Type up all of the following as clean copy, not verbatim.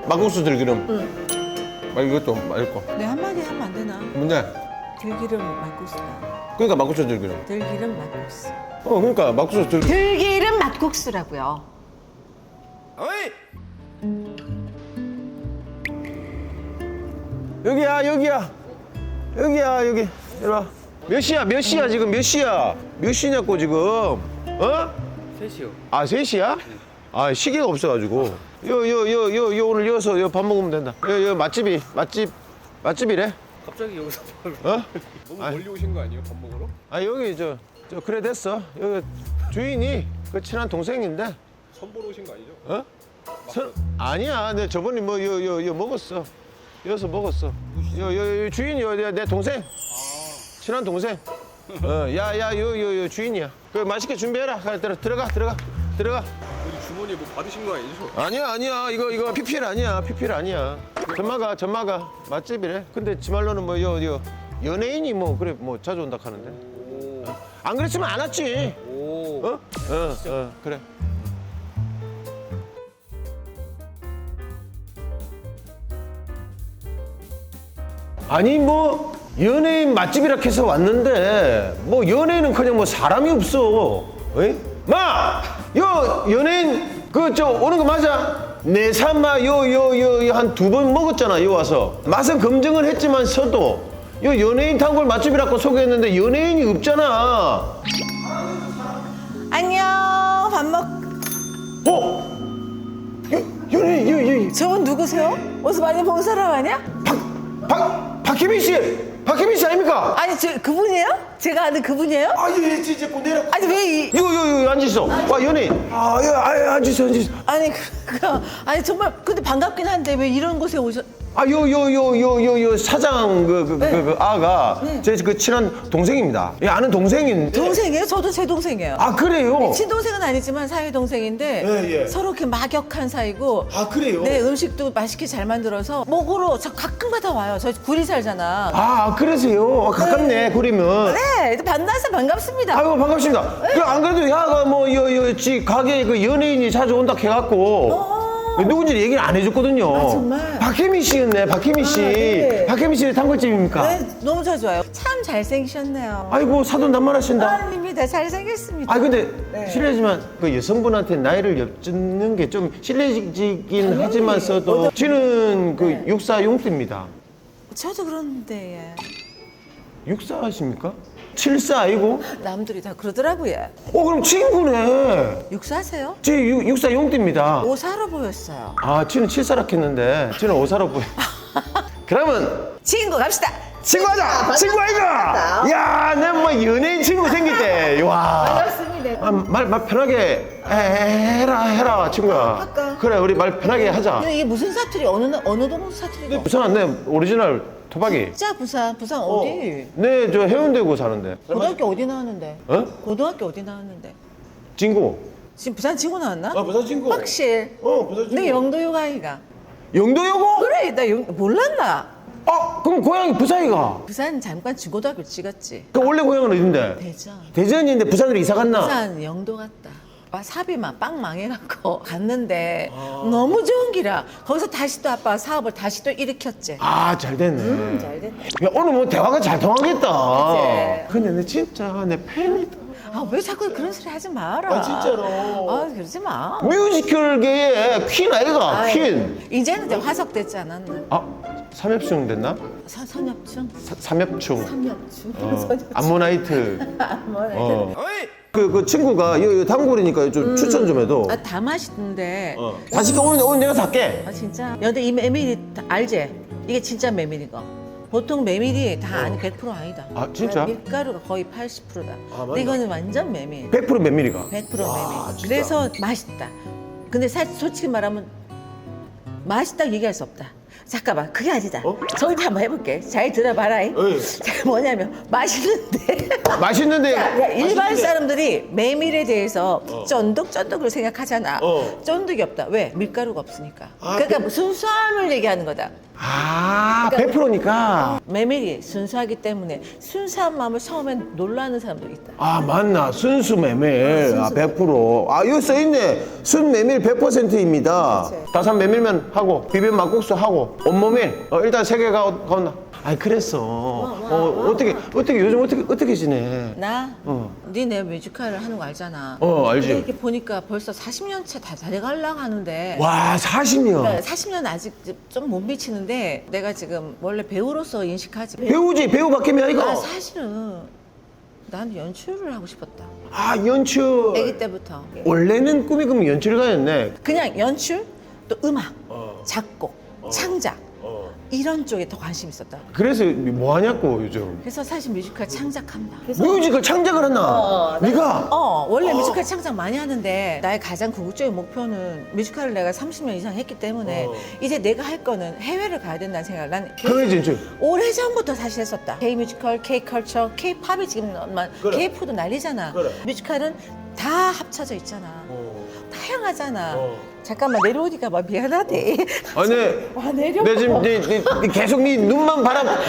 막국수 들기름. 응. 이것도 맛있고. 네, 한마디 하면 안 되나? 뭔데? 들기름 막국수다. 그러니까 막국수 들기름. 들기름 막국수. 그러니까 막국수 들기름. 들기름 막국수라고요. 어이! 여기야, 여기야. 여기야, 여기. 이리 와. 몇 시야, 지금 몇 시야? 몇 시냐고, 지금. 어? 3시요. 아, 3시야? 아, 시계가 없어가지고. 오늘 여기서 밥 먹으면 된다. 맛집이래? 갑자기 여기서 어? 너무 멀리 오신 거 아니에요? 밥 먹으러? 아, 여기, 그래, 됐어. 여기 주인이 그 친한 동생인데. 선보러 오신 거 아니죠? 어? 아니야. 내 저번에 뭐, 먹었어. 여기서 먹었어. 주인이 내 동생. 친한 동생. 요 주인이야. 그 맛있게 준비해라. 들어가. 어디 주머니에 뭐 받으신 거 아니죠? 아니야. 이거 PPL 아니야. PPL 아니야. 전마가 맛집이래. 근데 지 말로는 뭐 연예인이 뭐 그래 뭐 자주 온다 하는데. 오. 안 그랬으면 안 왔지. 오. 어? 그래. 아니 뭐 연예인 맛집이라 해서 왔는데 뭐 연예인은 그냥 뭐 사람이 없어. 어이? 연예인 오는 거 맞아? 내 삼마 한 2번 먹었잖아. 요 와서 맛은 검증을 했지만서도 연예인 단골 맛집이라고 소개했는데 연예인이 없잖아. 안녕. 밥 먹. 연예인 저분 누구세요? 어디서 많이 본 사람 아니야? 박혜민 씨 아닙니까? 아니, 그분이에요? 제가 아는 그분이에요? 예, 진짜 내려. 아니, 왜 앉으있어. 와, 연예인. 앉으있어. 아니, 아니, 정말, 근데 반갑긴 한데 왜 이런 곳에 사장 아가 제 그 친한 동생입니다. 아는 동생인데. 동생이에요? 저도 제 동생이에요. 아, 그래요? 친동생은 아니지만 사위 동생인데 예. 서로 이렇게 막역한 사이고. 아, 그래요? 네, 음식도 맛있게 잘 만들어서 먹으러 저 가끔가다 와요. 저 구리 살잖아. 아, 그러세요? 가깝네, 구리면. 네, 만나서 반갑습니다. 아이고, 반갑습니다. 안 그래도 야가 지 가게에 그 연예인이 자주 온다 해갖고 누군지 얘기를 안 해줬거든요. 아, 정말? 박혜민 씨였네, 박혜민 씨. 네. 박혜민 씨의 단골집입니까? 네, 너무 자주 와요. 참 잘생기셨네요. 아이고, 사돈 단말하신다. 아닙니다. 잘생겼습니다. 근데 네. 실례지만 그 여성분한테 나이를 여쭙는 게 좀 실례지긴 하지만서도 지는 그 네. 64용띠입니다. 저도 그런데 64십니까? 74 아니고? 남들이 다 그러더라고요. 그럼 친구네. 육사하세요? 제 64용띠입니다. 오사로 보였어요. 지는 74라 했는데 지는 5사로 보여. 그러면 친구 갑시다. 친구하자! 친구 아이가! 야, 내 뭐 연예인 친구 생겼대. 와. 반갑습니다. 말 편하게 해라, 친구야. 할까? 그래, 우리 말 편하게 하자. 근데 이게 무슨 사투리? 어느 동 사투리가? 부산 내 오리지널 토박이. 진짜 부산 어디? 네, 저 해운대구 사는데. 고등학교 어디 나왔는데? 어? 고등학교 어디 나왔는데? 진구. 지금 부산 친구 나왔나? 부산 친구. 확실. 부산 내 영도육 아이가. 영도여고? 그래, 나 몰랐나? 그럼 고향이 부산이가? 부산 잠깐 중고등학교 찍었지. 그 원래 고향은 어딘데? 대전. 대전인데 부산으로 이사 갔나? 부산 영도 갔다. 사업이 빵 망해갖고 갔는데 너무 좋은 기라. 거기서 다시 또 아빠 사업을 다시 또 일으켰지. 잘 됐네. 잘 됐네. 야, 오늘 뭐 대화가 잘 통하겠다. 그치? 근데 내 진짜 내 팬이다. 왜 자꾸 그런 소리 하지 마라. 진짜로. 그러지 마. 뮤지컬계의 퀸 아이가, 퀸. 이제는 이제 화석됐지 않았나? 삼엽충 됐나? 선엽충? 삼엽충. 삼엽충. 암모나이트. 뭐, 그 친구가 요 단골이니까 좀 추천 좀 해도. 다 맛있는데. 다시 오늘 내가 살게. 진짜. 근데 이 메밀이 알지? 이게 진짜 메밀인 거. 보통 메밀이 다 아니 100% 아니다. 진짜? 밀가루가 거의 80%다. 근데 이거는 완전 메밀. 100% 메밀이가. 100% 메밀. 그래서 맛있다. 근데 솔직히 말하면 맛있다고 얘기할 수 없다. 잠깐만, 그게 아니다. 저희도 한번 해볼게. 잘 들어봐라. 뭐냐면 맛있는데. 맛있는데. 일반 사람들이 메밀에 대해서 쫀득쫀득을 생각하잖아. 쫀득이 없다. 왜? 밀가루가 없으니까. 그러니까 순수함을 얘기하는 거다. 아, 100%니까. 메밀이 순수하기 때문에 순수한 마음을 처음엔 놀라는 사람도 있다. 아, 맞나. 순수 메밀. 아, 100%. 아, 여기 써있네. 순 메밀 100%입니다. 그치. 다산 메밀면 하고, 비빔 막국수 하고, 온모밀. 일단 3개 가온다. 아이, 그랬어. 어떻게, 요즘 어떻게 지내? 나? 니내 뮤지컬을 하는 거 알잖아. 알지. 근데 이렇게 보니까 벌써 40년 차 다 돼가려고 하는데. 와, 40년. 그러니까 40년 아직 좀 못 미치는데 내가 지금 원래 배우로서 인식하지. 배우지, 배우 바뀌면 이거. 나 사실은 난 연출을 하고 싶었다. 아, 연출. 아기 때부터. 원래는 꿈이 그럼 연출가였네. 그냥 연출, 또 음악, 작곡, 창작 이런 쪽에 더 관심 있었다. 그래서 뭐 하냐고, 요즘. 그래서 사실 뮤지컬 창작합니다. 뮤지컬 창작을 했나? 네가? 원래 뮤지컬 창작 많이 하는데 나의 가장 궁극적인 목표는 뮤지컬을 내가 30년 이상 했기 때문에 이제 내가 할 거는 해외를 가야 된다는 생각을 난 그래, 진짜. 오래전부터 사실 했었다. K-뮤지컬, K-컬처, K-팝이 지금 K-푸드 난리잖아. 뮤지컬은 다 합쳐져 있잖아. 다양하잖아. 잠깐만 내려오니까 막 미안하대. 아니, 와 내려. 내 지금 네 계속 네 눈만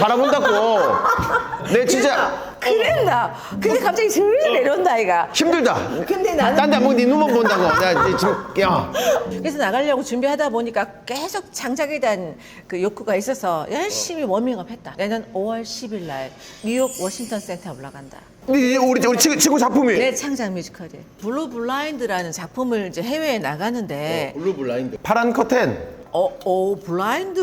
바라본다고. 내 진짜 그랬나? 근데 갑자기 슬슬 내려온다 아이가. 힘들다. 근데 나는 딴 데 안 보고 네 눈만 본다고. 내가 지금 야. 그래서 나가려고 준비하다 보니까 계속 창작에 대한 그 욕구가 있어서 열심히 워밍업 했다. 내년 5월 10일 날 뉴욕 워싱턴 센터에 올라간다. 우리 친구 작품이. 내 창작 뮤지컬이 블루 블라인드라는 작품을 이제 해외에 나가는데 블루 블라인드. 파란 커튼. 블라인드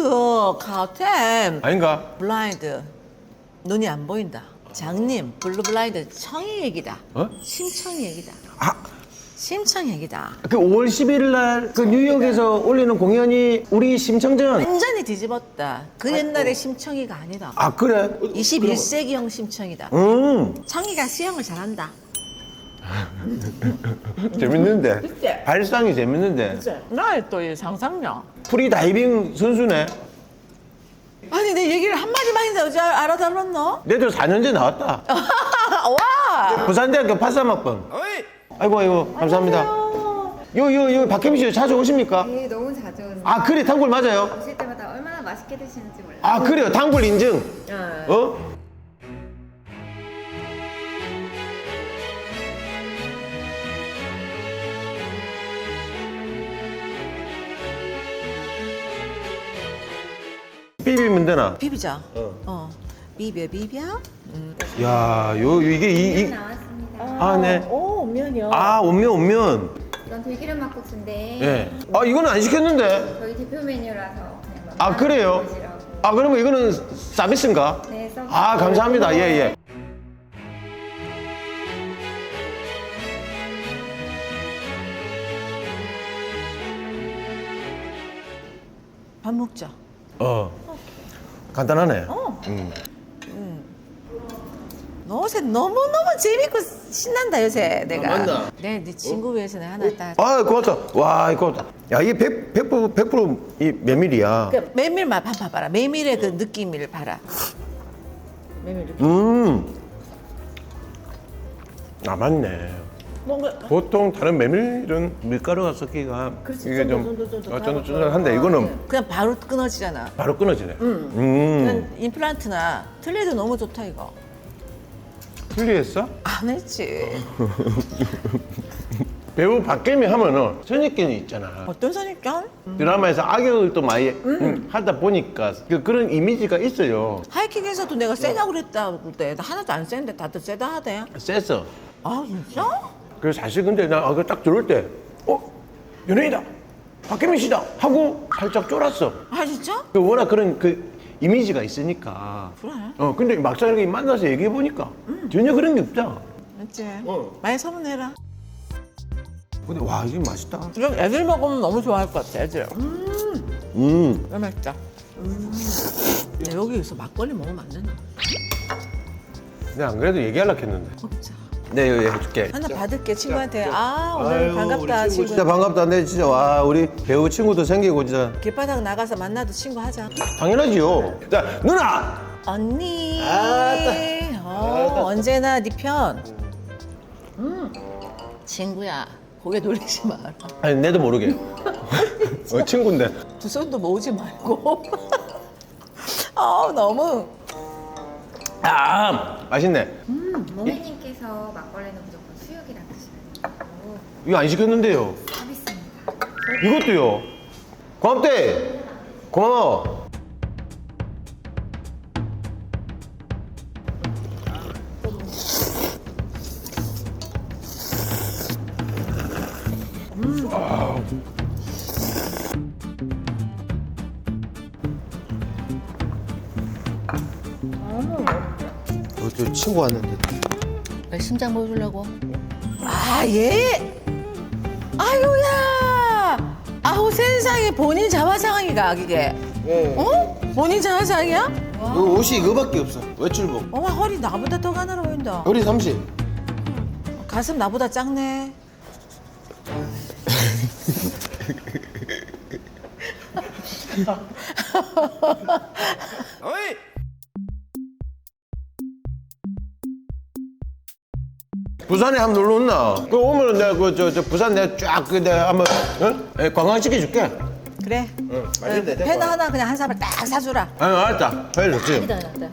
카템 아닌가? 블라인드 눈이 안 보인다. 장님 블루 블라인드 청이 얘기다. 심청이 얘기다. 아, 심청 얘기다. 그 5월 11일 날 그 뉴욕에서 올리는 공연이 우리 심청전. 완전히 뒤집었다. 그 옛날의 심청이가 아니다. 아, 그래? 21세기형 심청이다. 음. 청이가 수영을 잘한다. 재밌는데. 그치? 발상이 재밌는데. 나의 또 이 상상력. 프리다이빙 선수네. 아니 내 얘기를 한마디만 했는데 어째 알아들었노? 내도 4년째 나왔다. 와! 부산대학교 83학번. 아이고, 감사합니다. 요, 박혜미 씨 자주 오십니까? 네, 너무 자주 오는데 아, 그래, 단골 맞아요? 오실 때마다 얼마나 맛있게 드시는지 몰라요. 아, 그래요, 단골 인증. 어? 비비면 되나? 비비자. 비벼. 야, 이게 나왔습니다. 아, 네. 오, 면이요. 아, 온면. 이건 들기름 막국수인데 예. 아, 이거는 안 시켰는데. 저희 대표 메뉴라서 그냥 아, 그래요? 보시라고. 아, 그러면 이거는 서비스인가? 네, 서비스. 아, 감사합니다. 예, 예. 밥 먹자. 간단하네. 너 요새 너무너무 재밌고 신난다 요새 내가. 맞나? 네 친구 위해서 내가 하나 딱. 아, 고맙다. 와, 고맙다. 야, 이게 100%이 메밀이야. 그 메밀 맛 한번 봐라. 메밀의 그 느낌을 봐라. 메밀 느낌. 아, 맞네. 뭔가 보통 다른 메밀은 밀가루가 섞기가 이게 좀 쫀득쫀득한데 이거는 그냥 바로 끊어지잖아. 바로 끊어지네. 그냥 임플란트나 틀리도 너무 좋다 이거. 틀리했어? 안 했지. 배우 박계미 하면은 선입견이 있잖아. 어떤 선입견? 드라마에서 악역을 또 많이 하다 보니까 그런 이미지가 있어요. 하이킥에서도 내가 세다고 그랬다 그때 나 하나도 안 센데 다들 세다 하대. 쎄어. 아 진짜? 그래서 사실 근데 나 그거 딱 들을 때 연예인이다. 박계미 씨다 하고 살짝 쫄았어. 아 진짜? 워낙 그런 그 이미지가 있으니까. 그래. 근데 막상 이렇게 만나서 얘기해 보니까 전혀 그런 게 없잖아. 맞지? 많이 소문내라. 근데 와, 이게 맛있다. 이런 애들 먹으면 너무 좋아할 것 같아 애들. 너무 맛있다. 야, 여기서 막걸리 먹으면 안 되나? 내가 안 그래도 얘기하려고 했는데. 먹자. 네, 여기 해줄게. 하나 받을게 친구한테. 아 오늘 반갑다 친구. 진짜 반갑다. 네, 진짜 와, 우리 배우 친구도 생기고 진짜 길바닥 나가서 만나도 친구 하자. 당연하지요. 자, 누나. 언니. 아따. 언제나 네 편. 친구야 고개 돌리지 마라. 아니, 내도 모르게. 친구인데. 두 손도 모으지 말고. 너무. 아, 맛있네. 모미님께서 막걸리는 무조건 수육이랑 드시는 이거 안 시켰는데요. 서비스입니다. 이것도요. 고맙대. 고마워. 저 친구 왔는데. 왜 심장 보여주려고? 아, 예? 아유야! 아우, 세상에 본인 자화상이가, 이게. 어? 본인 자화상이야? 너 옷이 이거밖에 없어. 외출복. 어머, 허리 나보다 더 가늘어 보인다. 우리 30. 가슴 나보다 작네. 어이! 부산에 한번 놀러 온나? 그 오면은 내가 저 부산 내가 쫙 내가 한번 관광시켜 줄게. 그래. 응, 맛있는데. 팬 하나 그냥 한 사발 딱 사주라. 아니 알았다. 회 좋지. 기다렸다.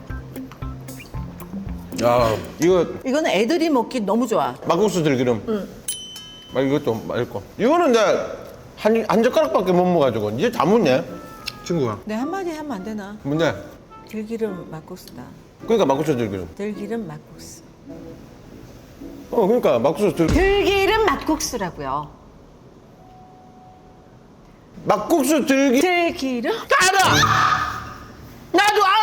야 이거 이거는 애들이 먹기 너무 좋아. 막국수 들기름. 응. 이것도 맛있고. 이거는 내가 한 젓가락밖에 못 먹어가지고 이제 다 묻네. 친구가. 내 한마디 하면 안 되나? 뭔데? 들기름 막국수다. 그러니까 막국수 들기름. 들기름 막국수. 그러니까 막국수 들기름. 들기름 막국수라고요. 막국수 들기. 들기름? 알아. 나도